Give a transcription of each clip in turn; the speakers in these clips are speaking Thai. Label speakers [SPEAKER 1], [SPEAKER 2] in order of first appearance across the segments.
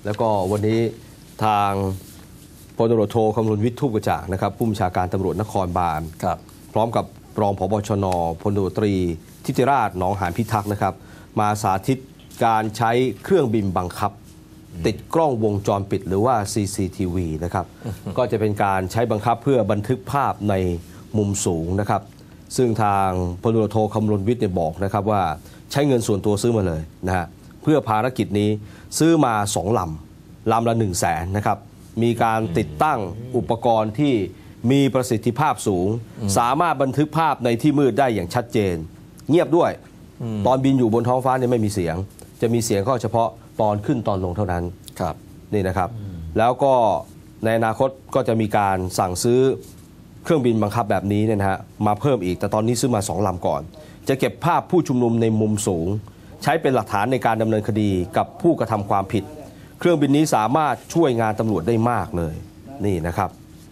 [SPEAKER 1] แล้วก็วันนี้ทางพลตำรวจโทคำรณวิทย์ทูปกระจ่างนะครับผู้บัญชาการตำรวจนครบาลพร้อมกับรองผบ.ชน.พลตำรวจตรีทิติราชหนองหานพิทักษ์นะครับมาสาธิตการใช้เครื่องบินบังคับติดกล้องวงจรปิดหรือว่า CCTV นะครับก็จะเป็นการใช้บังคับเพื่อบันทึกภาพในมุมสูงนะครับซึ่งทางพลตำรวจโทคำรณวิทย์บอกนะครับว่าใช้เงินส่วนตัวซื้อมาเลยนะฮะเพื่อภารกิจนี้ซื้อมา2 ลำละ 100,000 นะครับมีการติดตั้งอุปกรณ์ที่มีประสิทธิภาพสูงสามารถบันทึกภาพในที่มืดได้อย่างชัดเจนเงียบด้วยตอนบินอยู่บนท้องฟ้าเนี่ยไม่มีเสียงจะมีเสียงก็เฉพาะตอนขึ้นตอนลงเท่านั้นครับนี่นะครับแล้วก็ในอนาคตก็จะมีการสั่งซื้อเครื่องบินบังคับแบบนี้เนี่ยนะฮะมาเพิ่มอีกแต่ตอนนี้ซื้อมา2 ลำก่อนจะเก็บภาพผู้ชุมนุมในมุมสูงใช้เป็นหลักฐานในการดำเนินคดีกับผู้กระทำความผิดเครื่องบินนี้สามารถช่วยงานตำรวจได้มากเลยนี่นะครับ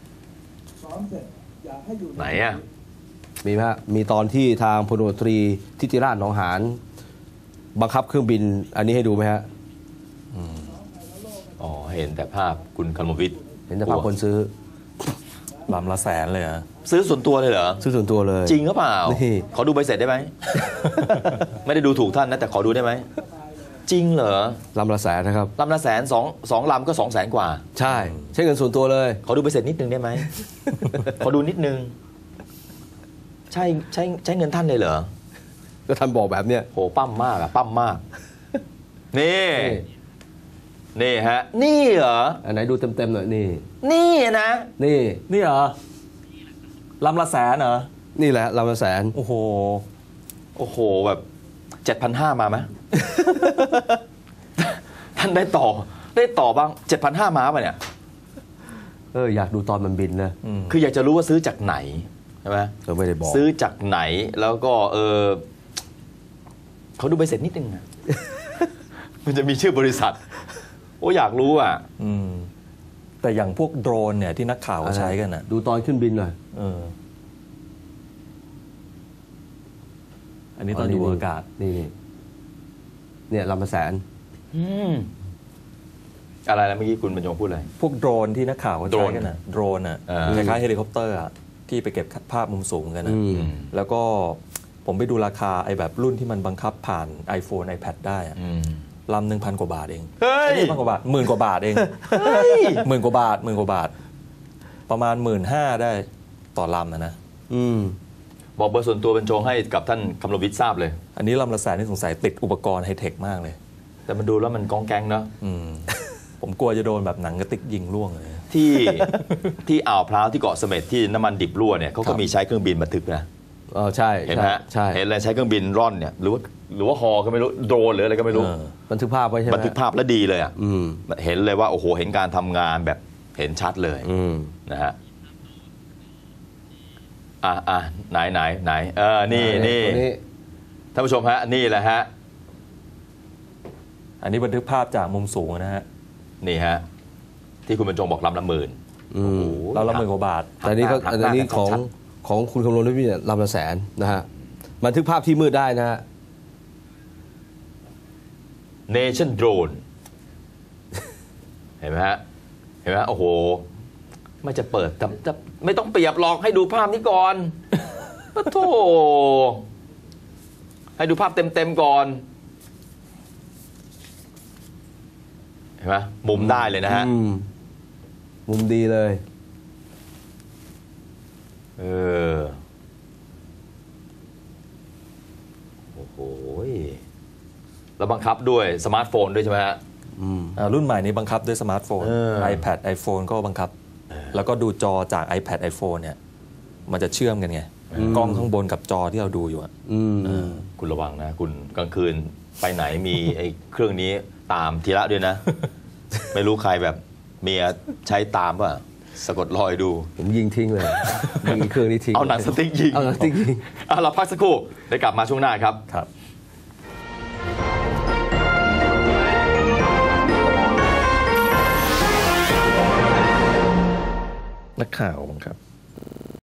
[SPEAKER 2] ไหนอ่ะ
[SPEAKER 1] มีไหมฮะมีตอนที่ทางพลตำรวจตรีทิติราชหนองหานบังคับเครื่องบินอันนี้ให้ดูไหมฮะ
[SPEAKER 2] อ๋อเห็นแต่ภาพคุณคำรณวิทย์
[SPEAKER 1] เห็นแต่ภาพคนซื้อ
[SPEAKER 3] ลำละ100,000เลยเหรอ
[SPEAKER 2] ซื้อส่วนตัวเลยเหรอ
[SPEAKER 1] ซื้อส่วนตัวเลย
[SPEAKER 2] จริงหรือเปล่าขอดูใบเสร็จได้ไหม ไม่ได้ดูถูกท่านนะแต่ขอดูได้ไหมจริงเหรอ
[SPEAKER 1] ลำละ100,000นะครับ
[SPEAKER 2] ลำละ100,000สองลำก็200,000 กว่า
[SPEAKER 1] ใช่ใช้เงินส่วนตัวเลย
[SPEAKER 2] ขอดูใบเสร็จนิดนึงได้ไหม ขอดูนิดนึงใช้เงินท่านเลยเหรอ
[SPEAKER 1] ก็ท่านบอกแบบเนี้ย
[SPEAKER 2] โหปั้มมากอะปั้มมากนี่ฮะนี่เหรอ
[SPEAKER 1] อันไหนดูเต็มๆหน่อย
[SPEAKER 2] นี่นะ
[SPEAKER 3] นี่เหรอลำละ100,000เหรอ
[SPEAKER 1] นี่แหละลำละ100,000
[SPEAKER 3] โอ้
[SPEAKER 2] โหแบบ 7,500 มาไหม ท่านได้ต่อบ้าง 7,500 มาป่ะเนี่ย
[SPEAKER 1] อยากดูตอนมันบินนะ
[SPEAKER 2] คืออยากจะรู้ว่าซื้อจากไหนใช่ไหม
[SPEAKER 1] ไม่ได้บอก
[SPEAKER 2] ซื้อจากไหนแล้วก็เขาดูใบเสร็จนิดนึงนะ มันจะมีชื่อบริษัทอยากรู้อ่ะ
[SPEAKER 3] แต่อย่างพวกโดรนเนี่ยที่นักข่าวใช้กันอ่ะ
[SPEAKER 1] ดูตอนขึ้นบินหน่อย
[SPEAKER 3] อันนี้ตอนอยู่อากาศ
[SPEAKER 1] เนี่ยลำละ100,000
[SPEAKER 2] อะไรนะเมื่อกี้คุณบรรจงพูดอะไร
[SPEAKER 3] พวกโดรนที่นักข่าวใช้กันอ่ะโดรนอ่ะคล้ายๆเฮลิคอปเตอร์อ่ะที่ไปเก็บภาพมุมสูงกันนะแล้วก็ผมไปดูราคาไอ้แบบรุ่นที่มันบังคับผ่าน iPhone iPad ได้อะลำ 1,000 กว่าบาทเอง1,000 กว่าบาท10,000 กว่าบาทเอง10,000 กว่าบาทประมาณ 15,000 ได้ต่อลำนะ
[SPEAKER 2] บอกเบอร์ส่วนตัวบรรจงให้กับท่านคำรณวิทย์ทราบเลย
[SPEAKER 3] อันนี้ลำละ100,000นี่สงสัยติดอุปกรณ์ไฮเทคมากเลย
[SPEAKER 2] แต่มันดูแล้วมันก้องแกงเนาะ
[SPEAKER 3] ผมกลัวจะโดนแบบหนังกระติกยิงล่วงเลย
[SPEAKER 2] ที่อ่าวพร้าวที่เกาะเสม็ดที่น้ำมันดิบรั่วเนี่ยเขาก็มีใช้เครื่องบินบันทึกนะ
[SPEAKER 1] ใช่
[SPEAKER 2] เห็นไหมใช่เห็นอะไรใช้เครื่องบินร่อนเนี่ยหรือว่าฮอก็ไม่รู้โดรนหรืออะไรก็ไม่รู้
[SPEAKER 1] บันทึกภาพไว้ใช่ไหม
[SPEAKER 2] บันทึกภาพแล้วดีเลยอ่ะเห็นเลยว่าโอ้โหเห็นการทำงานแบบเห็นชัดเลยนะฮะไหนนี่ท่านผู้ชมฮะนี่แหละฮะ
[SPEAKER 3] อันนี้บันทึกภาพจากมุมสูงนะฮะ
[SPEAKER 2] นี่ฮะที่คุณบรรจงบอกลำละ10,000
[SPEAKER 3] ลำละ10,000 กว่าบาท
[SPEAKER 1] แต่นี้ก็อันนี้ของคุณคำรณวิทย์ลำละ100,000นะฮะบันทึกภาพที่มืดได้นะฮะ
[SPEAKER 2] Nation Drone เห็นไหมฮะโอ้โหไม่จะเปิดจะไม่ต้องเปรียบหรอกให้ดูภาพนี้ก่อนปะโถให้ดูภาพเต็มก่อนเห็นไหมมุมได้เลยนะฮะ
[SPEAKER 1] มุมดีเลย
[SPEAKER 2] โอ้โหแล้วบังคับด้วยสมาร์ทโฟนด้วยใช่ไหมฮะ
[SPEAKER 3] รุ่นใหม่นี้บังคับด้วยสมาร์ทโฟน iPad iPhone ก็บังคับแล้วก็ดูจอจาก iPad iPhone เนี่ยมันจะเชื่อมกันไงกล้องข้างบนกับจอที่เราดูอยู่
[SPEAKER 2] คุณระวังนะคุณกลางคืนไปไหนมีไอ้เครื่องนี้ตามทีละด้วยนะ ไม่รู้ใครแบบเมียใช้ตามป่ะสะกดรอยดู
[SPEAKER 1] ผมยิงทิ้งเลยยิงเครื่องนี้ทิ้ง
[SPEAKER 2] เอาหนังสติ๊กยิงเราพักสักครู่ได้กลับมาช่วงหน้าครับ
[SPEAKER 3] นักข่าวครับ